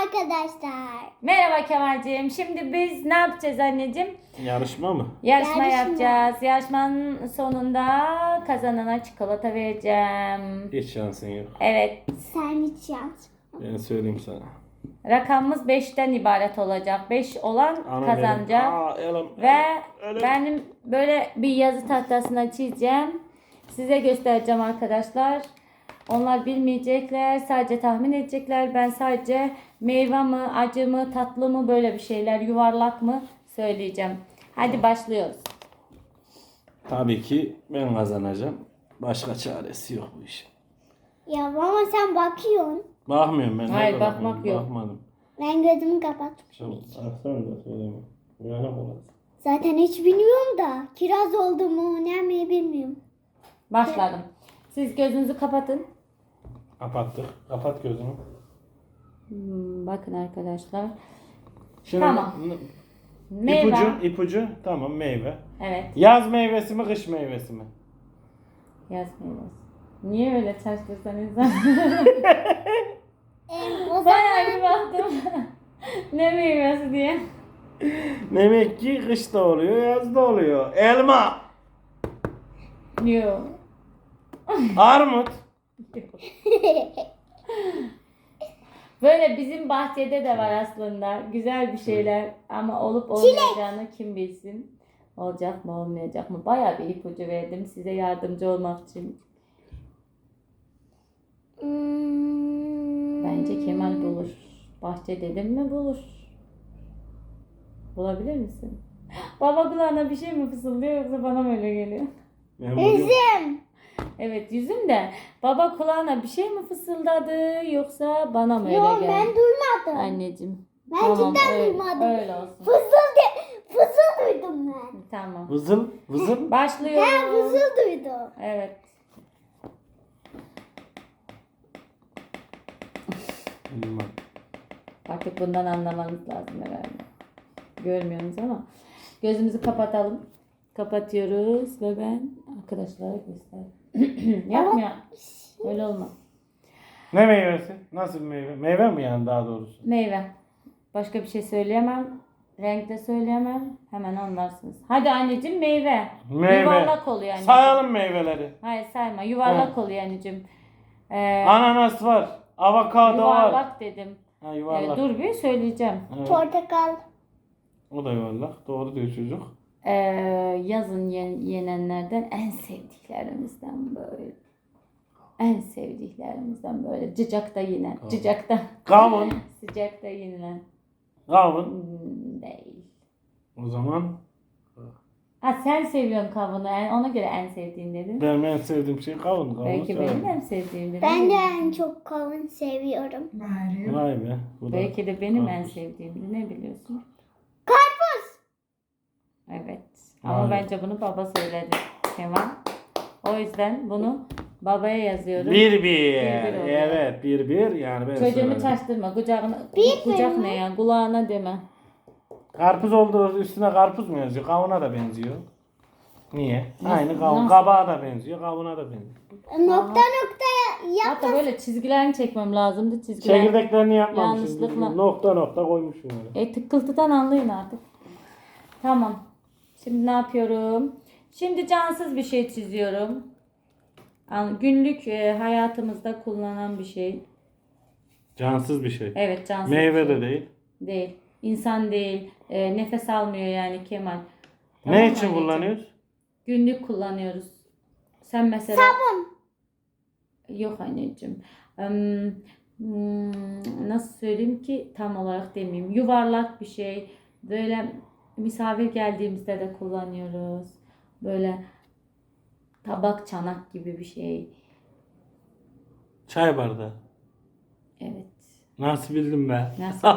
arkadaşlar. Merhaba Kemal'ciğim. Şimdi biz ne yapacağız anneciğim? Yarışma mı? Yarışma Yarışma. yapacağız. Yarışmanın sonunda kazanana çikolata vereceğim. Hiç şansın yok. Evet. Sen hiç yaz. Ben söyleyeyim sana. Rakamımız 5'ten ibaret olacak. 5 olan Ana kazanacak. Elim. Ve Elim. benim böyle bir yazı tahtasına çizeceğim. Size göstereceğim arkadaşlar. Onlar bilmeyecekler, sadece tahmin edecekler. Ben sadece meyve mi, acı mı, tatlı mı, böyle bir şeyler, yuvarlak mı söyleyeceğim. Hadi başlıyoruz. Tabii ki ben kazanacağım. Başka çaresi yok bu işin. Ya ama sen bakıyorsun. Bakmıyorum ben. Hayır, nerede bakmak bakıyorum? yok. Bakmadım. Ben gözümü kapatmışım. Tamam. Aksana da söyleme. Uyanık olasın. Zaten hiç bilmiyorum da. Kiraz oldu mu ne mi bilmiyorum. Başladım. Siz gözünüzü kapatın. Kapattık. Kapat gözünü. Bakın arkadaşlar. Şimdi Tamam. Meyve. ipucu. Tamam, meyve. Evet. Yaz meyvesi mi, kış meyvesi mi? Yaz meyvesi. Niye öyle şaştırsan insan? O Bayağı bir baktım. Ne meyvesi diye. Demek ki kışta oluyor, yazda oluyor. Elma, Yok. armut. Böyle bizim bahçede de var aslında. Güzel bir şeyler ama olup olmayacağını kim bilsin. Olacak mı olmayacak mı? Bayağı bir ipucu verdim size yardımcı olmak için. Bence Kemal bulur. Bahçe dedim mi bulur. Bulabilir misin? Baba kulağına bir şey mi fısıldıyor yoksa bana mı öyle geliyor? Ben buluyorum. Üzüm. Evet, yüzüm de baba kulağına bir şey mi fısıldadı yoksa bana mı öyle Yok geldi? ben duymadım. Anneciğim. Ben Tamam, cidden öyle, duymadım. öyle olsun. Fızıl duydum ben. Tamam. Vızıl, vızıl. Başlıyoruz. Ben fızıl duydum. Evet. Bilmem. Artık bundan anlamanız lazım herhalde. Görmüyorsunuz ama. Gözümüzü kapatalım. Kapatıyoruz ve ben arkadaşlara göster. Yapma. Öyle olmaz. Ne meyvesi? Nasıl bir meyve? Meyve mi yani daha doğrusu? Meyve. Başka bir şey söyleyemem. Renk de söyleyemem. Hemen anlarsınız. Hadi anneciğim meyve. Meyve. Yuvarlak oluyor anneciğim. Sayalım meyveleri. Hayır sayma. Yuvarlak oluyor anneciğim. Ananas var. Avokado var. Yuvarlak dedim. Ha, yuvarlak. Dur bir söyleyeceğim. Evet. Portakal. O da yuvarlak. Doğru diyor çocuk. Yazın yenenlerden en sevdiklerimizden böyle. En sevdiklerimizden böyle. Cıcakta yenen. Tamam. Cıcakta. Kavun. Sıcakta yenilen. Kavun. Değil. O zaman Ha sen seviyorsun kavunu. Ona göre en sevdiğin dedin. benim en sevdiğim şey kavun. Kavun Belki severim. benim en sevdiğim dedin. Ben de en çok kavun seviyorum. Vay be. Bu da Belki de benim en karpuz. sevdiğimdi. Ne biliyorsun? Karpuz. Evet. Ama Hayır. bence bunu baba söyledi. Kemal. O yüzden bunu babaya yazıyorum. 1-1. Bir oluyor. Evet 1-1 yani ben Çocuğumu söyledim. çaştırma. Kucağına, Bir kucak mi? ne ya? Kulağına deme. Karpuz olduğu üstüne karpuz mu yazıyor? Kavuna da benziyor. Niye? Aynı kavun. nasıl? Kabağa da benziyor, kavuna da benziyor. Nokta nokta yap. Hatta böyle çizgilerini çekmem lazımdı. Çizgiler. Çekirdeklerini yapmamışım. Yanlışlıkla. Nokta nokta koymuşum öyle. Tıkıltıdan anlayın artık. Tamam. Şimdi ne yapıyorum? Şimdi cansız bir şey çiziyorum. Günlük hayatımızda kullanılan bir şey. Cansız bir şey. Evet, cansız bir Meyve şey. de değil. Değil. İnsan değil. Nefes almıyor yani Kemal. Ne Tamam için anneciğim? kullanıyoruz? Günlük kullanıyoruz. Sen mesela... Sabun. Yok anneciğim. Nasıl söyleyeyim ki tam olarak demeyeyim. Yuvarlak bir şey. Böyle misafir geldiğimizde de kullanıyoruz. Böyle tabak çanak gibi bir şey. Çay bardağı. Evet. Nasıl bildim be? Nasıl?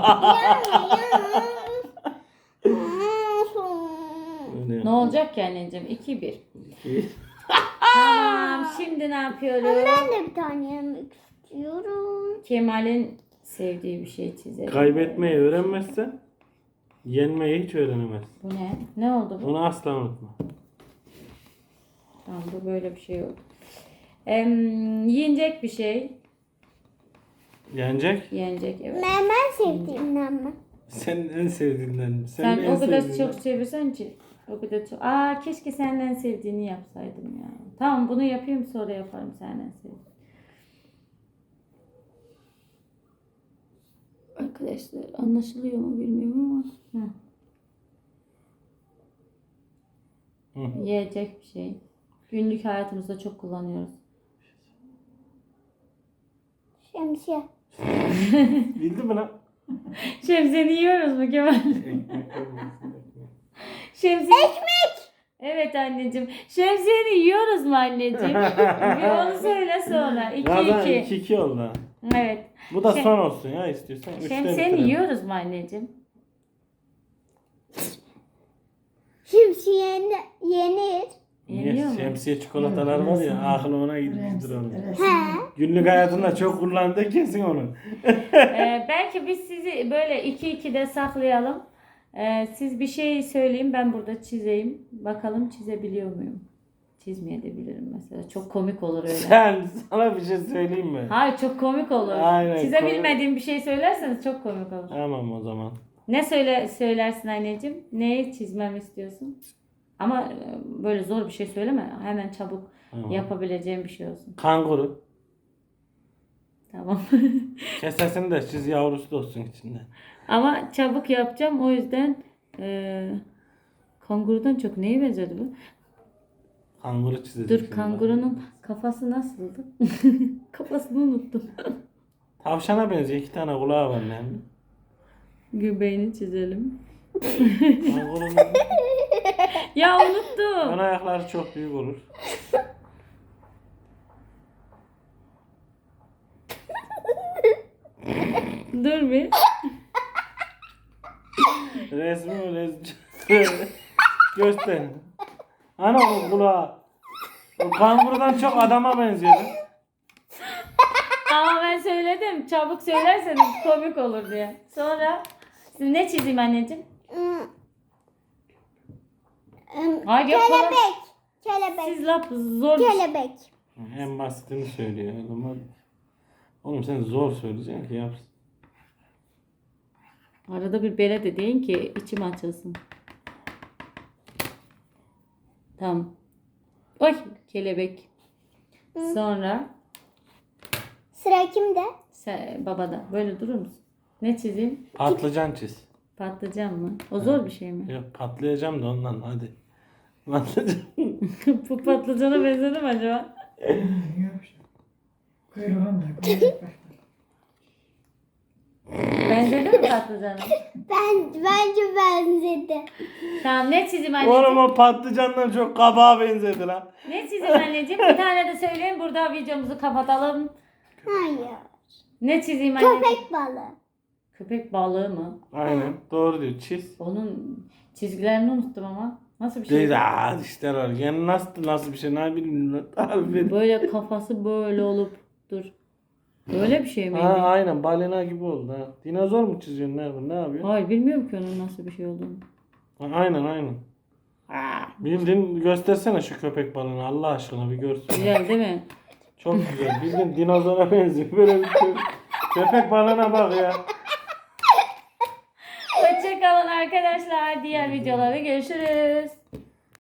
Öyle. Ne olacak ki anneciğim? 2-1. Tamam. Şimdi ne yapıyorum? Ben de bir tane yemek istiyorum. Kemal'in sevdiği bir şey çizelim. Kaybetmeyi öğrenmezsen yenmeyi hiç öğrenemez. Bu ne? Ne oldu bu? Onu asla unutma. Tamam, bu böyle bir şey yok. Yiyecek bir şey. Yenecek. Yenecek evet. Ben sevdiğimden mi? Senin en sevdiğinden mi? Sen Senin en o kadar sevdiğinden. çok seviyorsan ki. O kadar çok. Aa keşke senden sevdiğini yapsaydım ya. Tamam bunu yapayım sonra yaparım senden sevdiğini. Arkadaşlar anlaşılıyor mu bilmiyorum ama. Hı. Yiyecek bir şey. Günlük hayatımızda çok kullanıyoruz. Şemsiye. Bildin mi lan? Şemsiyeni yiyoruz mu Kemal? Şemsiye... Ekmek! Evet anneciğim. Şemsiyeni yiyoruz mu anneciğim? Bir onu söyle sonra. 2-2. 2-2 oldu. Evet. Bu da Şey- son olsun ya istiyorsan. Üçte Şemsiyeni bitirelim. yiyoruz mu anneciğim? Şemsiye yenir. Yeniyor Niye? mu? Şemsiye çikolatalar var ya aklı ona gitmiştir onu. He. Günlük hayatında çok kullandı kesin onu. Belki biz sizi böyle 2-2'de saklayalım. Siz bir şey söyleyin ben burada çizeyim. Bakalım çizebiliyor muyum? Çizmeye de bilirim mesela. Çok komik olur öyle. Sana bir şey söyleyeyim mi? Hayır çok komik olur. Aynen, Çizebilmediğim bir şey söylerseniz çok komik olur. Tamam o zaman. Ne söylersin anneciğim? Neyi çizmemi istiyorsun? Ama böyle zor bir şey söyleme. Hemen çabuk Tamam. yapabileceğim bir şey olsun. Kanguru. Tamam. Kesesini de çiz yavrusu da olsun içinde. Ama çabuk yapacağım. O yüzden kangurudan çok neye benzedi bu? Kanguru çizeceğim. Dur şimdi kangurunun kafası nasıldı? Kafasını unuttum. ben. Tavşana benziyor. 2 tane kulağı var yani. Göbeğini çizelim. Kangurunun Ya unuttum. ön ayakları çok büyük olur. Dur bir. Resmi göster. Ana o kulağı. O kangurudan çok adama benziyor. Ama ben söyledim. Çabuk söylerseniz komik olur diye. Sonra siz ne çizeyim anneciğim? Hayır yok falan. Kelebek. Kelebek. Siz laf zor. Kelebek. En basitini söylüyor. O zaman oğlum sen zor söyleyeceksin ki yapsın. Arada bir bere de deyin ki içim açılsın. Tamam. Oy kelebek. Sonra Sıra kimde? babada. Böyle durur musun? Ne çizeyim? Patlıcan çiz. Patlıcan mı? O zor bir şey mi? Yok patlayacağım da ondan hadi. Patlıcan. Bu patlıcana benzedi mi acaba? Kuyruğunda kuyruk var. Benzedi mi patlıcana? Bence benzedi. Tamam ne çizeyim anneciğim? Oğlum o patlıcandan çok kabağa benzedi lan. Ne çizeyim anneciğim? Bir tane de söyleyin burada videomuzu kapatalım. Hayır. Ne çizeyim anneciğim? Köpek balığı. Köpek balığı mı? Aynen doğru diyor çiz. Onun çizgilerini unuttum ama. Nasıl bir şey? Değil işte var. Yani nasıl bir şey ne bileyim. Harbi. Böyle kafası böyle olup dur. Böyle bir şey miydi? Ha aynen balina gibi oldu ha. Dinozor mu çiziyorsun ne yapıyorsun? Hayır bilmiyorum ki onun nasıl bir şey olduğunu. Ha, aynen. Bildin göstersene şu köpek balığını Allah aşkına bir görsün. Güzel değil mi? Çok güzel. Bildin dinozora benziyor. Böyle bir köpek balığına bak ya. Hoşçakalın arkadaşlar. Diğer videolarda görüşürüz.